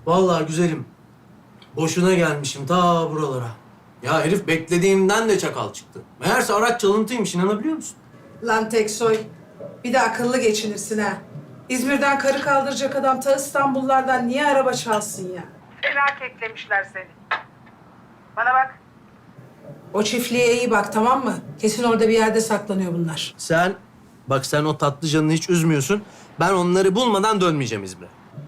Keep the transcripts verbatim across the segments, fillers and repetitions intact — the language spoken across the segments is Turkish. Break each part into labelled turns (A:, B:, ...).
A: Vallahi güzelim. Boşuna gelmişim ta buralara. Ya herif beklediğimden de çakal çıktı. Meğerse araç çalıntıymış, inanabiliyor musun?
B: Lan Teksoy, bir de akıllı geçinirsin ha. İzmir'den karı kaldıracak adam ta İstanbullardan niye araba çalsın ya? Fena keklemişler seni. Bana bak. O çiftliğe iyi bak, tamam mı? Kesin orada bir yerde saklanıyor bunlar.
A: Sen, bak sen o tatlı canını hiç üzmüyorsun. Ben onları bulmadan dönmeyeceğim İzmir'e.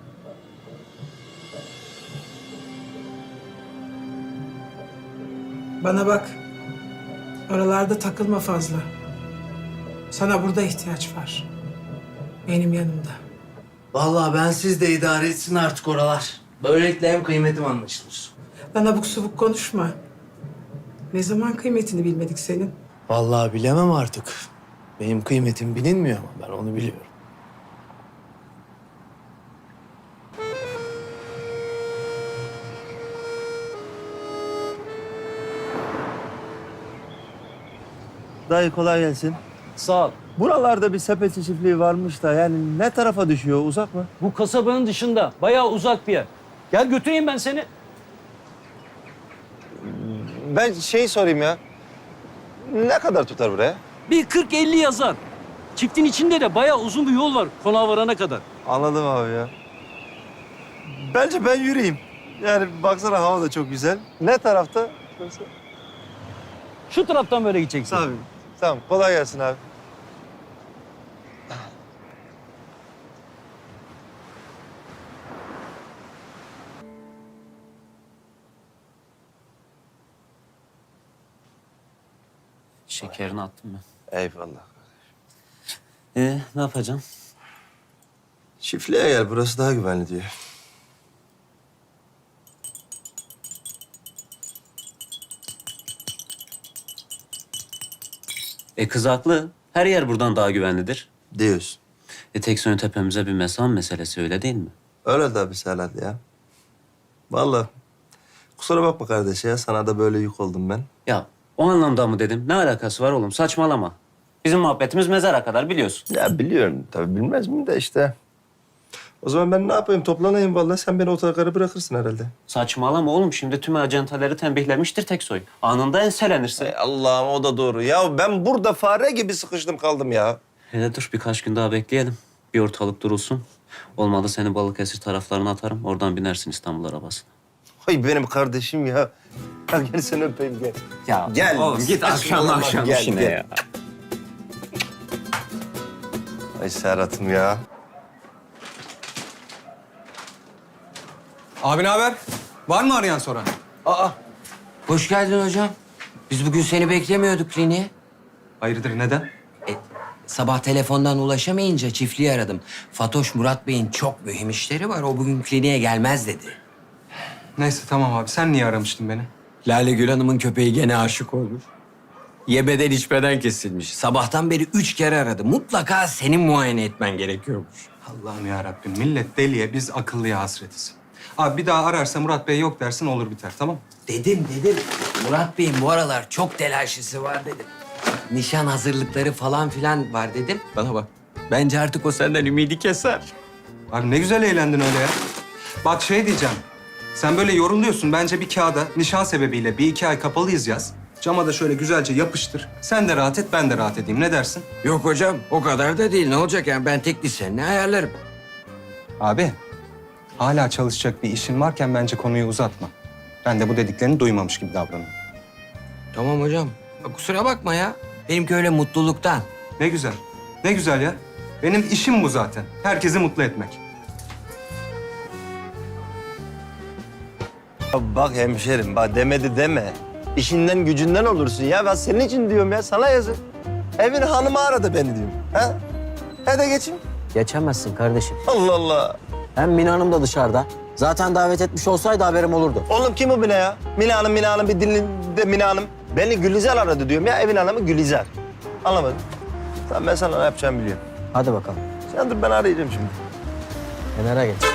B: Bana bak. Oralarda takılma fazla. Sana burada ihtiyaç var. Benim yanımda.
A: Vallahi bensiz de idare etsin artık oralar. Böylelikle hem kıymetim anlaşılır.
B: Lan abuk subuk konuşma. Ne zaman kıymetini bilmedik senin?
A: Vallahi bilemem artık. Benim kıymetim bilinmiyor ama ben onu biliyorum.
C: Dayı kolay gelsin.
D: Sağ ol.
C: Buralarda bir sepetçi çiftliği varmış da yani ne tarafa düşüyor, uzak mı?
D: Bu kasabanın dışında bayağı uzak bir yer. Gel götüreyim ben seni.
C: Ben şey sorayım ya. Ne kadar tutar buraya?
D: Bir kırk elli yazar. Çiftin içinde de bayağı uzun bir yol var konağa varana kadar.
C: Anladım abi ya. Bence ben yürüyeyim. Yani baksana hava da çok güzel. Ne tarafta?
D: Şu taraftan böyle gideceksin.
C: Tabii. Tamam, kolay gelsin abi.
D: Şekerini attım ben.
C: Eyvallah.
D: Ee, ne yapacağım?
C: Çiftliğe gel, burası daha güvenli diyor.
D: E kız haklı. Her yer buradan daha güvenlidir.
C: Diyorsun.
D: E Teksoy'un tepemize bir mesan meselesi öyle değil mi?
C: Öyle tabii Serhat ya. Vallahi kusura bakma kardeş ya, sana da böyle yük oldum ben.
D: Ya o anlamda mı dedim? Ne alakası var oğlum? Saçmalama. Bizim muhabbetimiz mezara kadar biliyorsun.
C: Ya biliyorum tabii, bilmez miyim de işte. O zaman ben ne yapayım, toplanayım vallahi, sen beni otogarı bırakırsın herhalde.
D: Saçmalama oğlum. Şimdi tüm ajantaları tembihlemiştir Teksoy. Anında enselenirsin.
C: Ey Allah'ım, o da doğru. Ya ben burada fare gibi sıkıştım kaldım ya.
D: Hele dur birkaç gün daha bekleyelim. Bir ortalık durulsun. Olmadı seni Balıkesir taraflarına atarım. Oradan binersin İstanbul arabasına.
C: Ay benim kardeşim ya. Gel gel seni öpeyim gel.
D: Ya
C: Gel.
D: oğlum git akşam
C: Saçmalama,
D: akşam
C: gel,
D: işine
C: gel.
D: ya.
C: Ay Serhat'ım ya.
E: Abi ne haber? Var mı arayan soran?
F: Aa, hoş geldin hocam. Biz bugün seni beklemiyorduk kliniğe.
E: Hayırdır neden?
F: E, sabah telefondan ulaşamayınca çiftliği aradım. Fatoş Murat Bey'in çok mühim işleri var. O bugün kliniğe gelmez dedi.
E: Neyse tamam abi. Sen niye aramıştın beni?
F: Lale Gül Hanım'ın köpeği gene aşık olmuş. Yemeden içmeden kesilmiş. Sabahtan beri üç kere aradı. Mutlaka senin muayene etmen gerekiyormuş.
E: Allah'ım ya Rabbim. Millet deliye, biz akıllıya hasretiz. Abi bir daha ararsa Murat Bey yok dersin, olur biter, tamam mı?
F: Dedim dedim. Murat Bey'in bu aralar çok telaşesi var dedim. Nişan hazırlıkları falan filan var dedim. Bana bak. Bence artık o senden ümidi keser.
E: Abi ne güzel eğlendin öyle ya. Bak şey diyeceğim. Sen böyle yoruluyorsun. Bence bir kağıda nişan sebebiyle bir iki ay kapalıyız yaz. Cama da şöyle güzelce yapıştır. Sen de rahat et, ben de rahat edeyim. Ne dersin?
F: Yok hocam, o kadar da değil. Ne olacak yani? Ben teknisyenini ayarlarım.
E: Abi, hala çalışacak bir işin varken bence konuyu uzatma. Ben de bu dediklerini duymamış gibi davranıyorum.
F: Tamam hocam. Ya kusura bakma ya. Benimki öyle mutluluktan.
E: Ne güzel. Ne güzel ya. Benim işim bu zaten. Herkesi mutlu etmek.
C: Ya bak hemşerim, bak demedi deme. İşinden gücünden olursun ya. Ben senin için diyorum ya, sana yazın. Evin hanımı aradı beni diyorum. Ha? Hadi geçin.
G: Geçemezsin kardeşim.
C: Allah Allah.
G: Hem Mine Hanım da dışarıda. Zaten davet etmiş olsaydı haberim olurdu.
C: Oğlum kim o Mine ya? Mine Hanım, Mine Hanım, bir dinle de Mine Hanım. Beni Gülizar aradı diyorum ya, evin hanımı Gülizar. Anlamadım. Tamam, ben sana ne yapacağımı biliyorum.
G: Hadi bakalım.
C: Sen dur, ben arayacağım şimdi.
G: Kenara geç.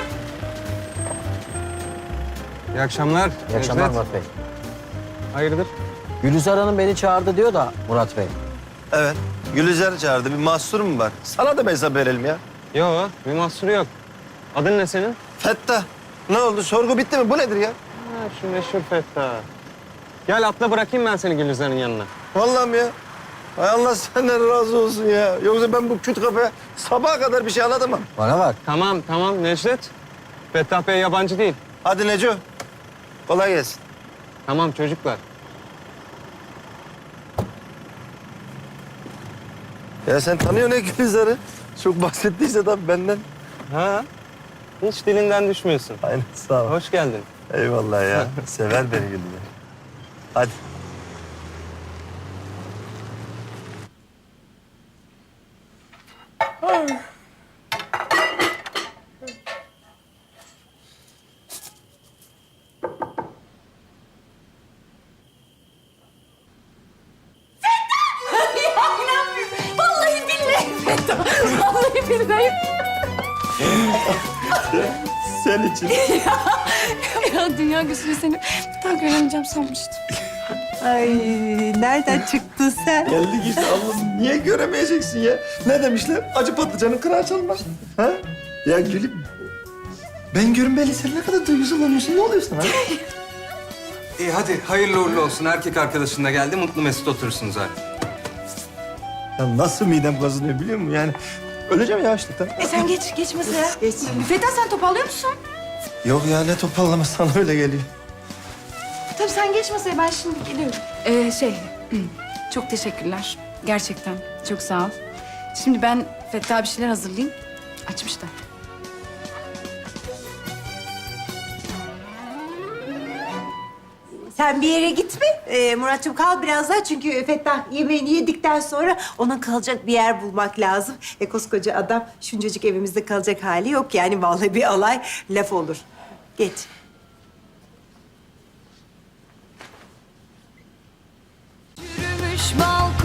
E: İyi akşamlar.
G: İyi akşamlar
E: Evet.
G: Murat Bey.
E: Hayırdır?
G: Gülizar Hanım beni çağırdı diyor da Murat Bey.
C: Evet, Gülizar çağırdı. Bir mahsur mu var? Sana da mı hesap verelim ya?
E: Yok, bir mahsuru yok. Adın ne senin?
C: Fettah. Ne oldu? Sorgu bitti mi? Bu nedir ya?
H: Ha, şu meşhur Fettah. Gel atla bırakayım ben seni Gülizar'ın yanına.
C: Vallahi mi ya? Hay Allah senden razı olsun ya. Yoksa ben bu küt kafaya sabaha kadar bir şey anlatamam.
G: Bana bak.
H: Tamam tamam Necdet. Fettah Bey yabancı değil.
C: Hadi Neco. Kolay gelsin.
H: Tamam çocuklar.
C: Ya sen tanıyorsun ne Gülizar'ı? Çok bahsettiyse tabii benden.
H: Ha? Hiç dilinden düşmüyorsun.
C: Aynen sağ ol.
H: Hoş geldin.
C: Eyvallah ya. Sever beni Gülizar. Hadi.
I: Vallahi billahi Feda. Vallahi billahi.
C: Sen için.
I: Ya dünya gözüyle seni bir daha göremeyeceğim sanmıştım.
J: Ay nereden çıktın sen?
C: Geldik işte Allah'ım. Niye göremeyeceksin ya? Ne demişler? Acı patlıcanın kırağı çalmaz. Ha? Ya gülüm. Ben görünmeyeli sen ne kadar duygusal olmuşsun. Ne oluyorsun ha?
E: İyi hadi hayırlı uğurlu olsun. Erkek arkadaşın da geldi. Mutlu mesut oturursunuz artık.
C: Ya nasıl midem kazınıyor biliyor musun? Yani öleceğim ya açlıktan.
I: E sen geç, geç masaya.
J: Geç.
I: Feda sen toparlıyor musun?
C: Yok ya ne toparlama sana öyle geliyor.
I: Tabii sen geç masaya, ben şimdi geliyorum. Ee, şey, çok teşekkürler. Gerçekten çok sağ ol. Şimdi ben Fettah'a bir şeyler hazırlayayım. Açmış da.
J: Sen bir yere gitme. Ee, Muratçım kal biraz daha çünkü Fettah yemeğini yedikten sonra ona kalacak bir yer bulmak lazım. E koskoca adam şuncacık evimizde kalacak hali yok yani vallahi bir alay laf olur. Geç.
I: Yürümüş bal